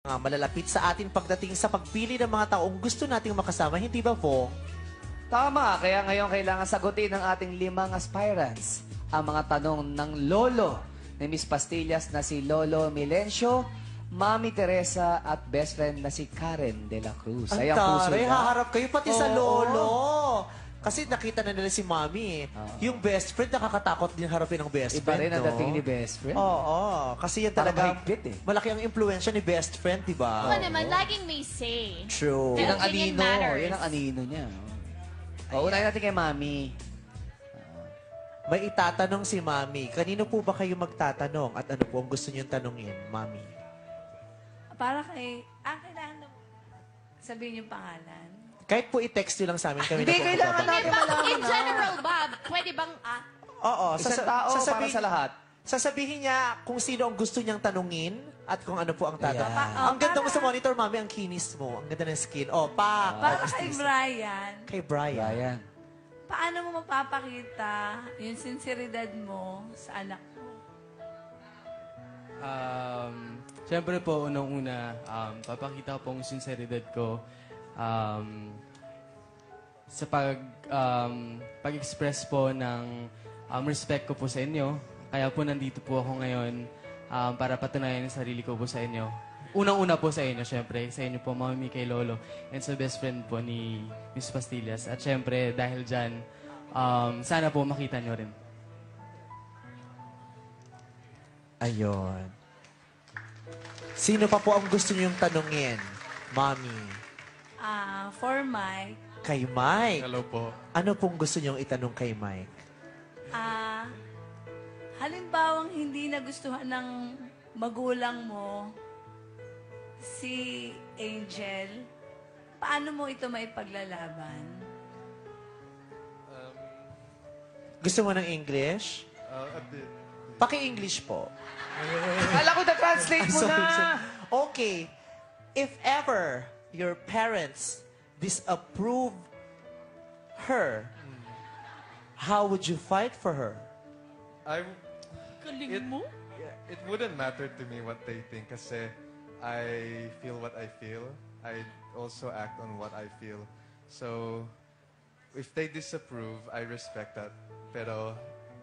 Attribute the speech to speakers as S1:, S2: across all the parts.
S1: Malalapit sa atin pagdating sa pagpili ng mga taong gusto nating makasama, hindi ba po?
S2: Tama, kaya ngayon kailangan sagutin ng ating 5 aspirants ang mga tanong ng lolo ni Miss Pastillas na si Lolo Milencio, Mami Teresa at best friend na si Karen de la Cruz.
S1: Ang
S2: Ay, ang puso
S1: taray,
S2: niya.
S1: haharap kayo pati sa
S2: Oo.
S1: lolo. Kasi nakita na nila si Mami. Yung best friend, nakakatakot din harapin ng best
S2: Iba
S1: friend,
S2: rin ang
S1: no?
S2: dating ni best friend.
S1: Oo, kasi yan
S2: Parang
S1: talaga,
S2: mahigpit eh.
S1: malaki ang impluensya ni best friend, di ba?
S3: Ako naman, laging may say.
S1: True.
S2: Yan ang
S3: Opinion
S2: anino.
S3: matters.
S2: Yan ang anino niya. Unahin natin kay Mami.
S1: May itatanong si Mami. Kanino po ba kayo magtatanong? At ano po ang gusto niyong tanungin, Mami?
S4: Para kay... kailangan na sabihin yung pangalan.
S1: Kahit po i-text nyo lang sa amin, kami
S2: Hindi,
S1: na po
S2: kailangan
S1: magbabanggit.
S2: natin malaman
S3: In
S2: na.
S3: general, Bob, pwede bang...
S1: Oo.
S2: Isang tao para sa lahat.
S1: Sasabihin niya kung sino ang gusto niyang tanungin at kung ano po ang tatanong.
S4: Yeah.
S1: Ang ganda mo sa monitor, Mami, ang kinis mo. Ang ganda ng skin. Oh, pa.
S4: Para kay Brian,
S1: Kay Brian.
S2: Brian.
S4: paano mo mapapakita yung sinseridad mo sa anak mo?
S5: Siyempre po, unang-una, papakita po ang sinseridad ko sa pag-express po ng respect ko po sa inyo. Kaya po nandito po ako ngayon para patunayan ang sarili ko po sa inyo. Unang-una po sa inyo, siyempre. Sa inyo po, Mami, kay Lolo. And sa best friend po ni Miss Pastillas. At siyempre, dahil dyan, sana po makita nyo rin.
S1: Ayun. Sino pa po ang gusto niyong tanungin, Mami?
S4: For Mike,
S1: Kay Mike.
S5: Hello po.
S1: Ano pong gusto niyong itanong kay Mike?
S4: halimbawang hindi nagustuhan ng magulang mo si Angel, paano mo ito maipaglalaban?
S1: Gusto mo ng English?
S5: A bit.
S1: Paki-English po.
S2: Kala ko na-translate mo na.
S1: Okay. If ever your parents disapprove her, how would you fight for her?
S6: It wouldn't matter to me what they think kasi I feel what I feel. I also act on what I feel. So, if they disapprove, I respect that. Pero,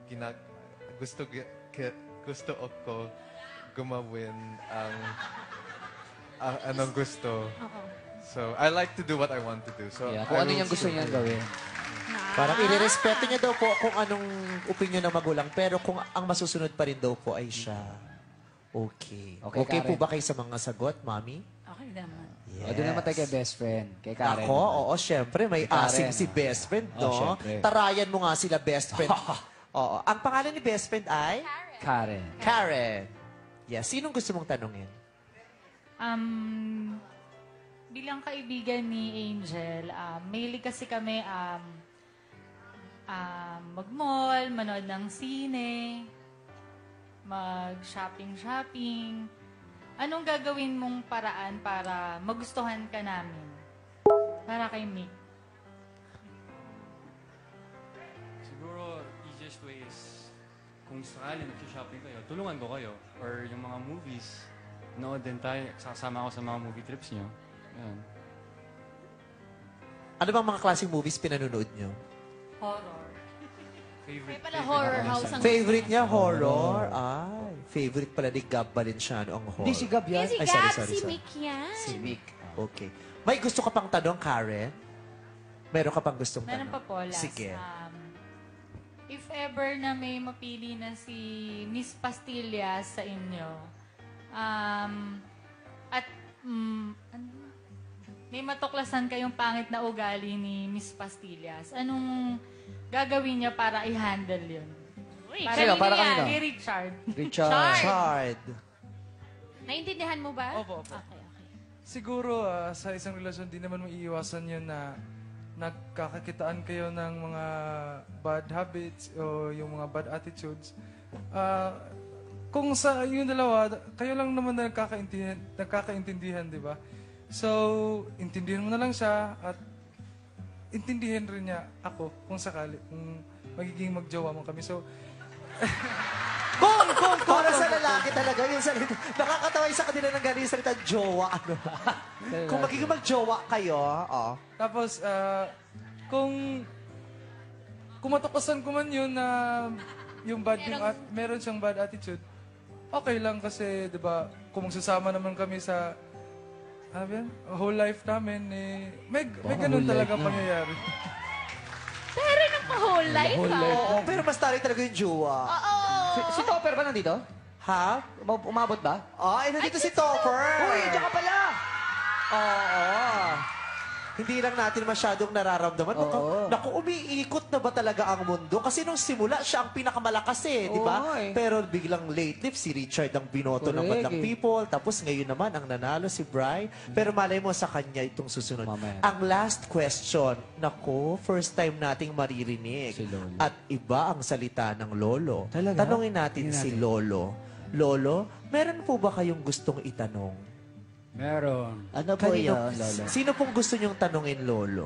S6: gusto ko gumawin ang anong gusto. So, I like to do what I want to do. So,
S2: Yeah, kung ano yung gusto niya gawin.
S1: Parang irerespeto niya daw po kung anong opinion ng magulang, pero kung ang masusunod pa rin daw po ay siya. Okay.
S2: Okay,
S1: Okay po
S2: Karen.
S1: ba kayo sa mga sagot, Mami?
S4: Okay naman.
S2: O, doon naman tayo kay best friend. Kay Karen.
S1: Ako, oo, syempre, may
S2: Karen,
S1: asing si best friend,
S2: Oh,
S1: no?
S2: syempre.
S1: Tarayan mo nga sila best friend. Oo. Ang pangalan ni best friend ay?
S2: Karen.
S1: Karen. Yes. Sinong gusto mong tanungin?
S7: Bilang kaibigan ni Angel, mahilig kasi kami mag-mall, manood ng sine, mag-shopping-shopping. Anong gagawin mong paraan para magustuhan ka namin? Para kay Mick.
S5: Siguro, easiest way is kung sakali nag-shopping kayo, tulungan ko kayo. Or yung mga movies, nood din tayo, sasama ako sa mga movie trips nyo. Yan.
S1: Ano bang mga klaseng movies pinanonood nyo?
S7: Horror.
S3: May pala horror house ang...
S1: Favorite niya, horror? Ay, favorite pala ni Gab Valenciano ang horror.
S2: Hindi si Gab yan.
S3: Si
S1: Ay,
S3: Gab,
S1: sorry.
S3: si Mick yan.
S2: Si Mick.
S1: Okay. May gusto ka pang tanong, Karen? Meron ka pang gustong
S7: Meron
S1: tanong?
S7: pa po, last.
S1: Sige.
S7: If ever na may mapili na si Miss Pastillas sa inyo, may matuklasan kayong pangit na ugali ni Miss Pastillas, anong gagawin niya para i-handle yun? Para
S2: Sino? Para
S7: niya,
S2: kanino?
S7: kay Richard.
S2: Richard.
S1: Chard.
S3: Naintindihan mo ba?
S8: Opo, opo.
S3: Okay, okay.
S8: Siguro sa isang relasyon, di naman maiiwasan yun na nagkakakitaan kayo ng mga bad habits o yung mga bad attitudes. Kung sa yung dalawa, kayo lang naman na nagkakaintindihan, di ba? So, intindihan mo na lang siya at intindihan rin niya ako kung sakali, kung magiging magjowa mo kami. So,
S1: Kung Para sa lalaki talaga yung salita. Nakakatawa yung sa kanila ng galing salita, jowa. Ano? Kung magiging mag-jowa kayo,
S8: Tapos, kung matukasan ko man yun na meron siyang bad attitude, okay lang kasi, di ba, kung magsasama naman kami sa whole life namin, may ganun talaga pangyayari.
S3: Pero nung whole life,
S1: Oo, pero mas taray talaga yung jowa.
S2: Si Topper ba nandito?
S1: Ha?
S2: Umabot ba?
S1: Nandito si Topper.
S2: Uy, diyan ka pala!
S1: Oo. Hindi lang natin masyadong nararamdaman. Naku, umiikot na ba talaga ang mundo? Kasi nung simula, siya ang pinakamalakas di ba? Pero biglang lately, si Richard ang binoto ng Madlang People. Tapos ngayon naman, ang nanalo si Bri. Pero malay mo sa kanya itong susunod. Ang last question, naku, first time nating maririnig. At iba ang salita ng Lolo. Tanungin natin si Lolo. Lolo, meron po ba kayong gustong itanong?
S9: Meron.
S2: Ano po yun, Lolo?
S1: Sino pong gusto niyong tanungin, Lolo?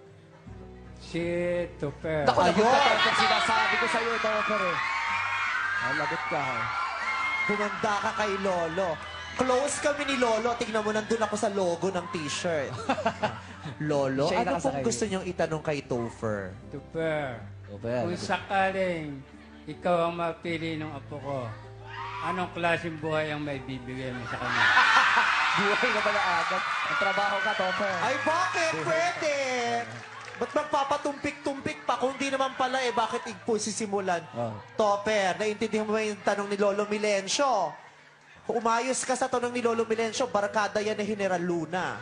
S9: Si Tupper.
S2: Naku, lagot ka, Topper. Sinasabi ko sa'yo, Topper lagot ka.
S1: Humanda ka kay Lolo. Close kami ni Lolo. Tingnan mo, nandun ako sa logo ng t-shirt. Lolo,
S2: Siya yung
S1: ano pong
S2: nakasakay.
S1: gusto niyong itanong kay Topher?
S9: Tupper.
S2: Topper.
S9: Kung sakaling ikaw ang mapili ng apo ko, anong klaseng buhay ang may bibigay mo sa kanya?
S2: Buhay na pala agad. Ang trabaho ka, Topper.
S1: Ay, bakit? Pwede! Ba't magpapatumpik-tumpik pa? Kung di naman pala, bakit igpo sisimulan? Topper, naiintindihan mo ba yung tanong ni Lolo Milencio? Umayos ka sa tanong ni Lolo Milencio, barkada yan ni General Luna.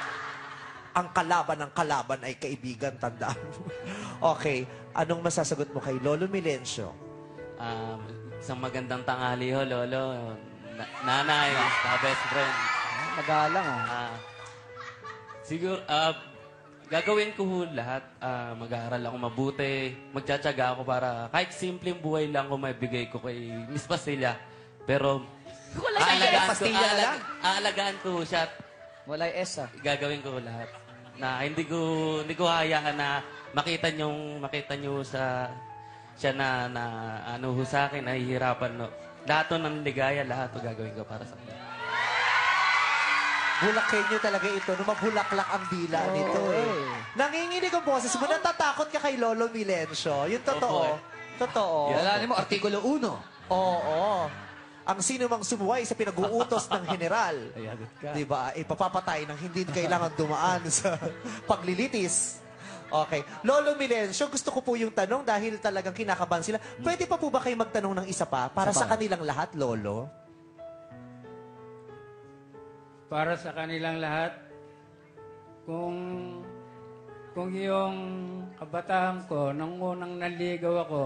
S1: Ang kalaban ng kalaban ay kaibigan, tandaan mo. Okay, anong masasagot mo kay Lolo Milencio?
S10: Isang magandang tanghali ho, Lolo. Nanay, best friend.
S2: Magalang,
S10: Siguro, gagawin ko ho lahat. Mag-aaral ako mabuti. Magtsatsaga ako para kahit simpleng buhay lang ko maibigay ko kay Miss Pastilla. Pero, aalagaan ko siya at
S2: Wala yung S,
S10: gagawin ko lahat. Na hindi ko hayaan na makita nyo sa siya na ano ho sa akin, nahihirapan. No. Lahat ng ligaya, lahat gagawin ko para sa kanya.
S1: Bulakin nyo talaga ito, no? Mabulaklak ang dila nito Nanginginig ang boses mo, natatakot ka kay Lolo Milencio. Yung totoo. Totoo.
S2: Alam mo, Artikulo 1.
S1: Oo. Ang sino mang sumuway sa pinag-uutos ng general, di ba, ipapapatay ng hindi kailangan dumaan sa paglilitis. Okay. Lolo Milencio, gusto ko po yung tanong dahil talagang kinakabahan sila. Pwede pa po ba kayo magtanong ng isa pa para sa kanilang lahat, Lolo?
S9: Para sa kanilang lahat, kung yung kabataan ko, nung unang naligaw ako,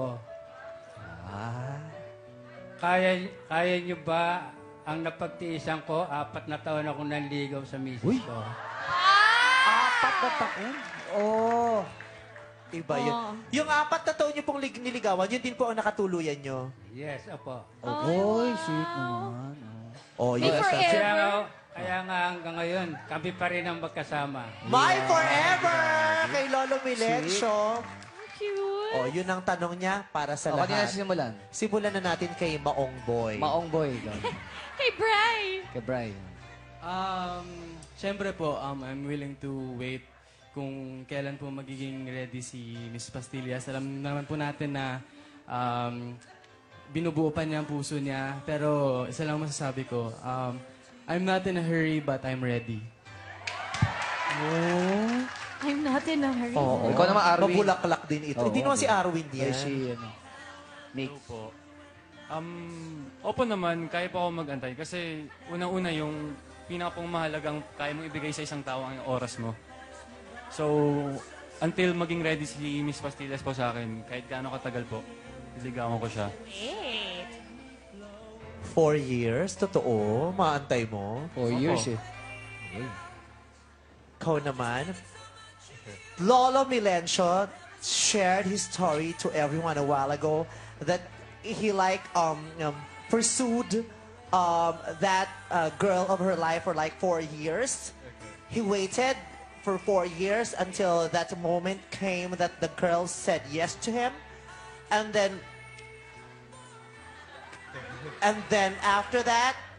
S9: kaya nyo ba ang napagtiisan ko? 4 na taon akong naligaw sa misis ko.
S2: 4 na taon?
S1: Iba yun. Yung 4 na taon nyo pong niligawan, yun din po ang nakatuluyan nyo.
S9: Yes, apo.
S2: Sweet naman.
S1: Yun.
S9: Kaya nga hanggang ngayon, kami pa rin ang magkasama.
S1: My forever! Kay Lolo Milencio.
S3: Cute.
S1: Yun ang tanong niya para sa
S2: Kanina
S1: lahat.
S2: simulan.
S1: Simulan na natin kay Maong Boy.
S2: Maong Boy.
S3: Kay Bri.
S2: Kay Brian.
S5: Siyempre po, I'm willing to wait kung kailan po magiging ready si Miss Pastillas. Alam naman po natin na binubuo pa niya ang puso niya. Pero isa lang masasabi ko, I'm not in a hurry but I'm ready.
S3: I'm not in a hurry.
S2: Ikaw naman, Arwin.
S1: Mabulaklak din ito. Hindi naman si Arwin yan.
S2: Nick.
S11: Po. Opo naman, kaya pa ako mag-antay. Kasi unang-una yung pinakapong mahalagang kaya mong ibigay sa isang tao ang oras mo. So, until maging ready si Miss Pastillas po sa akin, kahit gaano katagal po, liligawan ko siya.
S1: 4 years? Totoo? Maantay mo?
S2: 4 years
S1: Ikaw naman? Lolo Milencio shared his story to everyone a while ago that he pursued that girl of her life for like 4 years. He waited for 4 years until that moment came that the girl said yes to him. And then And then after that,